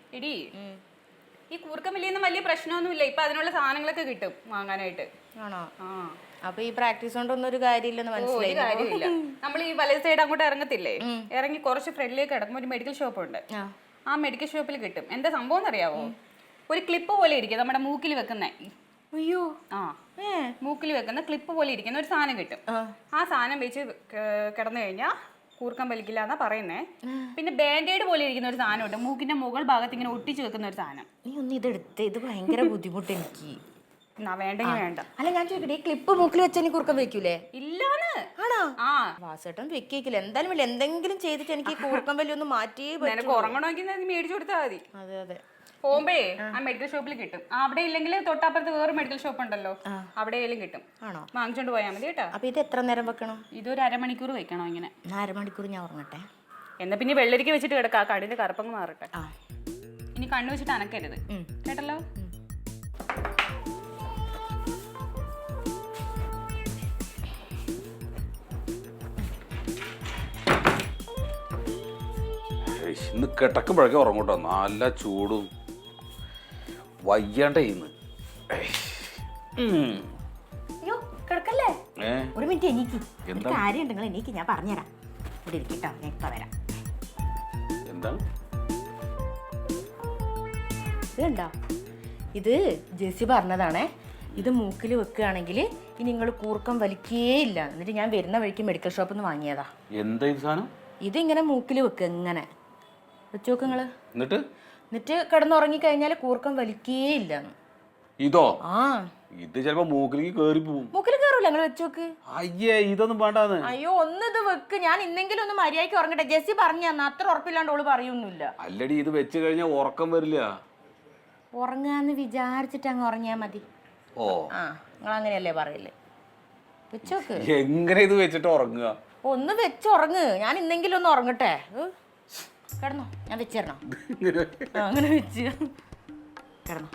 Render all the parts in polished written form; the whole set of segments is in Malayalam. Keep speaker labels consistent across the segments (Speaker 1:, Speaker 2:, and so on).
Speaker 1: എടി ഈ കൂർക്കമ്പല്ലിയൊന്നും വലിയ പ്രശ്നമൊന്നുമില്ല. ഇപ്പൊ അതിനുള്ള സാധനങ്ങളൊക്കെ കിട്ടും വാങ്ങാനായിട്ട്.
Speaker 2: ആണോ?
Speaker 1: ആ
Speaker 2: അപ്പൊ ഈ പ്രാക്ടീസ് കൊണ്ടൊന്നും ഒരു കാര്യമില്ലെന്ന് മനസ്സിലായി.
Speaker 1: കാര്യമില്ല. നമ്മൾ ഈ വലത് സൈഡ് അങ്ങോട്ട് ഇറങ്ങത്തില്ലേ, ഇറങ്ങി കുറച്ച് ഫ്രണ്ടിലേക്ക് കിടക്കുമ്പോൾ ഒരു മെഡിക്കൽ ഷോപ്പ് ഉണ്ട്. ആ മെഡിക്കൽ ഷോപ്പിൽ കിട്ടും. എന്താ സംഭവം എന്നറിയാവോ? ഒരു ക്ലിപ്പ് പോലെ ഇരിക്കും, നമ്മുടെ മൂക്കിൽ വെക്കുന്ന.
Speaker 2: അയ്യോ,
Speaker 1: ആ മൂക്കിൽ വെക്കുന്ന ക്ലിപ്പ് പോലെ ഇരിക്കുന്ന ഒരു സാധനം കിട്ടും. ആ സാധനം വെച്ച് കിടന്നു കഴിഞ്ഞാൽ കൂർക്കം വലിക്കില്ല എന്നാ പറയുന്നേ. പിന്നെ ബാൻഡേഡ് പോലെ ഇരിക്കുന്ന ഒരു സാധനം ഉണ്ട്, മൂക്കിന്റെ മുകൾ ഭാഗത്ത് ഇങ്ങനെ ഒട്ടിച്ചു വെക്കുന്ന ഒരു സാധനം.
Speaker 2: നീ ഒന്ന് ഇതെടുത്ത്, ഇത് ഭയങ്കര ബുദ്ധിമുട്ട് എനിക്ക്.
Speaker 1: വേണ്ടെങ്കിൽ വേണ്ട.
Speaker 2: അല്ല ഞാൻ ചോദിക്കട്ടെ, ഈ ക്ലിപ്പ് മൂക്കിൽ വെച്ചാൽ നീ കൂർക്കം വെക്കൂലേ?
Speaker 1: ഇല്ലാന്ന്.
Speaker 2: ആണോ?
Speaker 1: ആ
Speaker 2: വാസേട്ടൻ വെക്കില്ല. എന്തായാലും ഇല്ല, എന്തെങ്കിലും ചെയ്തിട്ട് എനിക്ക് കൂർക്കം വലി ഒന്ന് മാറ്റിയേ
Speaker 1: നിനക്ക് ഉറങ്ങണമെങ്കിൽ നീ മേടിച്ചു കൊടുത്താൽ മതി.
Speaker 2: അതെ അതെ,
Speaker 1: പോകുമ്പോഴേ ആ മെഡിക്കൽ ഷോപ്പിൽ കിട്ടും. അവിടെ ഇല്ലെങ്കിൽ തൊട്ടപ്പുറത്ത് വേറെ മെഡിക്കൽ ഷോപ്പ് ഉണ്ടല്ലോ, അവിടെയെങ്കിലും കിട്ടും.
Speaker 2: ആണോ?
Speaker 1: വാങ്ങിച്ചോണ്ട് പോയാൽ മതി കേട്ടോ.
Speaker 2: അപ്പൊ ഇത് എത്ര നേരം വെക്കണം?
Speaker 1: ഇതൊരു അരമണിക്കൂർ വെക്കണോ ഇങ്ങനെ?
Speaker 2: അരമണിക്കൂർ ഞാൻ ഉറങ്ങട്ടെ.
Speaker 1: എന്നാ പിന്നെ വെള്ളരിക്ക വെച്ചിട്ട് കിടക്കാം, കണ്ണിന്റെ കറുപ്പങ്ങ് മാറട്ടെ.
Speaker 2: ആ
Speaker 1: ഇനി കണ്ണു വെച്ചിട്ട് അനക്കരുത് കേട്ടല്ലോ.
Speaker 3: ഇന്ന് കിടക്കുമ്പോഴൊക്കെ ഉറങ്ങൂട്ടോ, നല്ല ചൂടും വയ്യാണ്ടേ ഇന്ന്.
Speaker 2: അയ്യോ കിടക്കല്ലേ, ഒരു മിനിറ്റ് എനിക്ക് കാര്യം ഉണ്ടെങ്കിൽ എനിക്ക് ഞാൻ പറഞ്ഞുതരാം. ഇവിടെ ഇരിക്കട്ടോ, ഞാൻ ഇപ്പൊ വരാം.
Speaker 3: എന്താണ്
Speaker 2: ഇതുണ്ടോ? ഇത് ജെസ്സി പറഞ്ഞതാണേ. ഇത് മൂക്കിൽ വെക്കുകയാണെങ്കിൽ ഇനി നിങ്ങൾ കൂർക്കം വലിക്കേയില്ല. എന്നിട്ട് ഞാൻ വരുന്ന വഴിക്ക് മെഡിക്കൽ ഷോപ്പിൽ നിന്ന് വാങ്ങിയതാ.
Speaker 3: എന്താ ഇത് സാധനം?
Speaker 2: ഇതിങ്ങനെ മൂക്കിൽ വെക്കുക, ഇങ്ങനെ വെച്ച് നോക്ക് നിങ്ങള്. എന്നിട്ട് കിടന്നുറങ്ങി കഴിഞ്ഞാൽ കൂർക്കം വലിക്കേയില്ല.
Speaker 3: ഇതോ?
Speaker 2: ആ
Speaker 3: ഇത് ചിലപ്പോ മൂക്കിലേക്ക് കേറി പോവും.
Speaker 2: മൂക്കിൽ കയറൂല, നിങ്ങൾ വെച്ച് നോക്ക്.
Speaker 3: അയ്യേ, ഇതൊന്നും വേണ്ടാന്ന്.
Speaker 2: അയ്യോ ഒന്ന് ഇത് വെക്ക്, ഞാൻ ഇന്നെങ്കിലും ഒന്ന് മര്യാദയ്ക്ക് ഉറങ്ങട്ടെ. ജെസ്സി പറഞ്ഞു തന്ന, അത്ര ഉറപ്പില്ലാണ്ട് ഓള് പറയൊന്നുമില്ല.
Speaker 3: അല്ലടി, ഇത് വെച്ച് കഴിഞ്ഞാൽ ഉറക്കം വരില്ല.
Speaker 2: ഉറങ്ങാന്ന് വിചാരിച്ചിട്ട് അങ്ങ് ഉറങ്ങിയാ മതി.
Speaker 3: ഓ
Speaker 2: ആ നിങ്ങൾ അങ്ങനെയല്ലേ പറയല്ലേ? വെച്ചോക്ക്.
Speaker 3: എങ്ങനെ ഇത് വെച്ചിട്ട് ഉറങ്ങുക?
Speaker 2: ഒന്ന് വെച്ചുറങ്ങ്, ഞാൻ ഇന്നെങ്കിലും ഒന്ന് ഉറങ്ങട്ടെ. കിടന്നോ, ഞാൻ വെച്ചിരണോ? അങ്ങനെ വെച്ച് കിടന്നോ.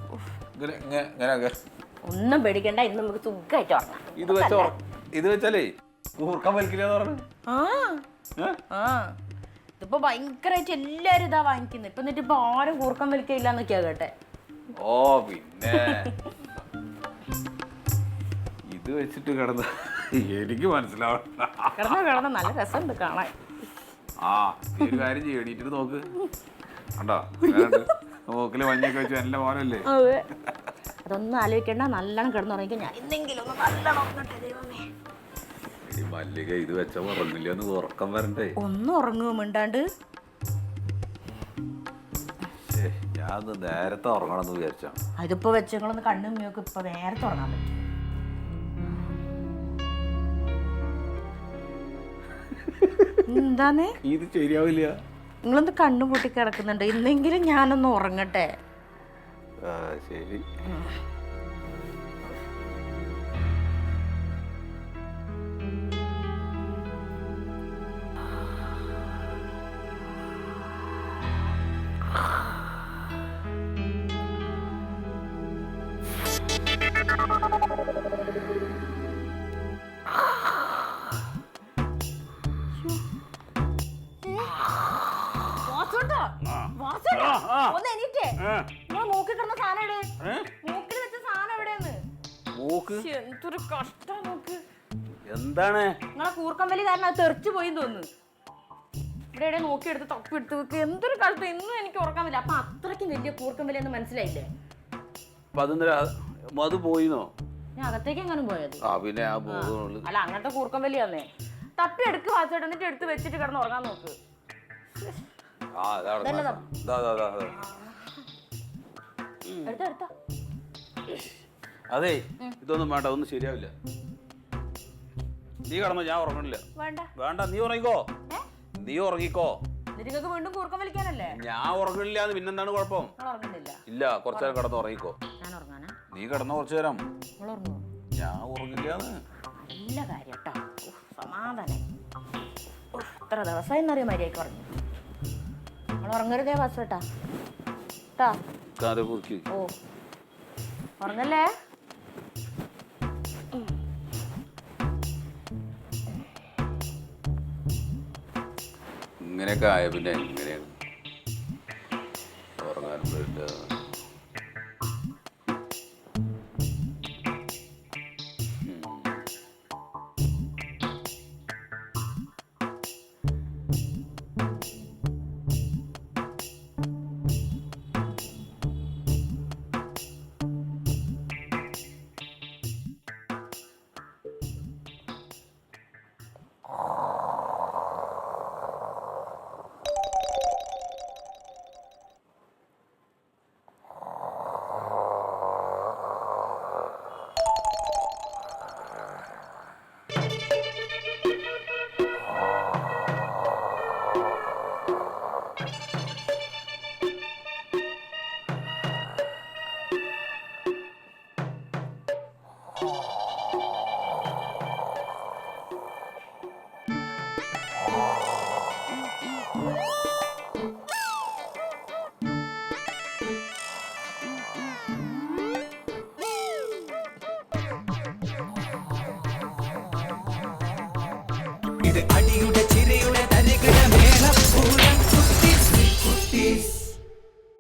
Speaker 2: ഒന്നും പേടിക്കണ്ട, ഇന്ന് നമുക്ക് സുഖമായിട്ട് ഉറങ്ങാം.
Speaker 3: ഇത് വെച്ചാലേ കൂർക്കം വലിക്കില്ലെന്ന് പറഞ്ഞു.
Speaker 2: ആ ഇതിപ്പോ ഭയങ്കരമായിട്ട് എല്ലാരും ഇതാ വാങ്ങിക്കുന്നത്. ഇപ്പൊ എന്നിട്ട് ഇപ്പൊ ആരും കൂർക്കം വലിക്കില്ല എന്നൊക്കെയാ കേട്ടെ.
Speaker 3: ഓ പിന്നെ ഇത് വെച്ചിട്ട് കിടന്ന എനിക്ക് മനസ്സിലാവണ്ട.
Speaker 2: കിടന്ന നല്ല രസമുണ്ട് കാണാൻ.
Speaker 3: ആ ഒരു കാര്യം ചെയ്യും, എണീറ്റിട്ട് നോക്ക്. കണ്ടോ നോക്കില് മഞ്ഞൊക്കെ വെച്ച് നല്ല പോലല്ലേ?
Speaker 2: അതൊന്നും ആലോചിക്കണ്ട, നല്ലോണം കിടന്നുറങ്ങിക്കോ. ഞാൻ ഇന്നെങ്കിലും ഒന്ന് നല്ലോണം ഉറങ്ങട്ടെ. ദൈവമേ,
Speaker 3: മല്ലിക ഇത് വെച്ച ഉറങ്ങില്ല, ഒന്ന് ഉറക്കം വരണ്ടേ?
Speaker 2: ഒന്നും ഉറങ്ങുമോ മിണ്ടാണ്ട്?
Speaker 3: ഞാൻ നേരത്തെ ഉറങ്ങണമെന്ന് വിചാരിച്ചാ.
Speaker 2: അതിപ്പോ വെച്ചങ്ങളൊന്ന് കണ്ണും മൂക്കും ഇപ്പൊ നേരത്തെ ഉറങ്ങാൻ പറ്റും. എന്താന്ന്?
Speaker 3: ഇത് ശരിയാവില്ല.
Speaker 2: നിങ്ങളൊന്ന് കണ്ണു പൂട്ടി കിടക്കുന്നുണ്ട്, ഇന്നെങ്കിലും ഞാനൊന്ന് ഉറങ്ങട്ടെ.
Speaker 3: ശരി.
Speaker 2: മൂക്കിൽ കിടന്ന സാധനം എവിടെ? മൂക്കിൽ വെച്ച സാധനം എവിടെയെന്ന്? എന്തൊരു കഷ്ടാ നോക്ക്.
Speaker 3: എന്താണ്
Speaker 2: നിങ്ങളെ കൂർക്കമ്പലി കാരണം അത് തെറിച്ചു പോയി തോന്നുന്നു. ഇവിടെ എവിടെ നോക്കിയെടുത്ത് തപ്പിയെടുത്ത് വെക്ക്. എന്തൊരു കഷ്ടം, ഇന്നും എനിക്ക് ഉറക്കാൻ പറ്റില്ല. അപ്പൊ അത്രയ്ക്കും വലിയ കൂർക്കമ്പലി എന്ന് മനസ്സിലായില്ലേ?
Speaker 3: അത് പോയിന്നോ?
Speaker 2: ഞാൻ അകത്തേക്ക് എങ്ങനെ പോയത്?
Speaker 3: പിന്നെ
Speaker 2: അല്ല അങ്ങനത്തെ കൂർക്കമ്പലി വന്നേ. തപ്പി എടുക്ക് വാച്ചോട്ട്, എന്നിട്ട് എടുത്ത് വെച്ചിട്ട് കിടന്ന് ഉറങ്ങാൻ നോക്ക്.
Speaker 3: അതെ, ഇതൊന്നും വേണ്ട, ഒന്നും ശരിയാവില്ല. നീ കിടന്നോ, ഞാൻ ഉറങ്ങണില്ല. വേണ്ട, നീ ഉറങ്ങിക്കോ.
Speaker 2: നിങ്ങൾക്ക് വീണ്ടും കൂർക്കം വലിക്കാനല്ലേ?
Speaker 3: ഞാൻ ഉറങ്ങണില്ല. പിന്നെന്താണ് കുഴപ്പം? ഇല്ല, കുറച്ചേരം കിടന്ന് ഉറങ്ങിക്കോ. നീ കിടന്നോ കുറച്ചു നേരം. ഞാൻ ഉറങ്ങില്ല.
Speaker 2: നല്ല കാര്യം കേട്ടോ, സമാധാനം. ഇത്ര ദിവസമായി എന്നറിയാം മര്യാദക്ക് ഉറങ്ങി. നമ്മൾ ഉറങ്ങരുതേ വാസേട്ടാ. ഓ ഉറങ്ങല്ലേ?
Speaker 3: ഇങ്ങനെയൊക്കെ ആയ പിന്നെ എങ്ങനെയാണ്? ടാബ്ലറ്റ്.
Speaker 4: ഇത് അടിയുടെ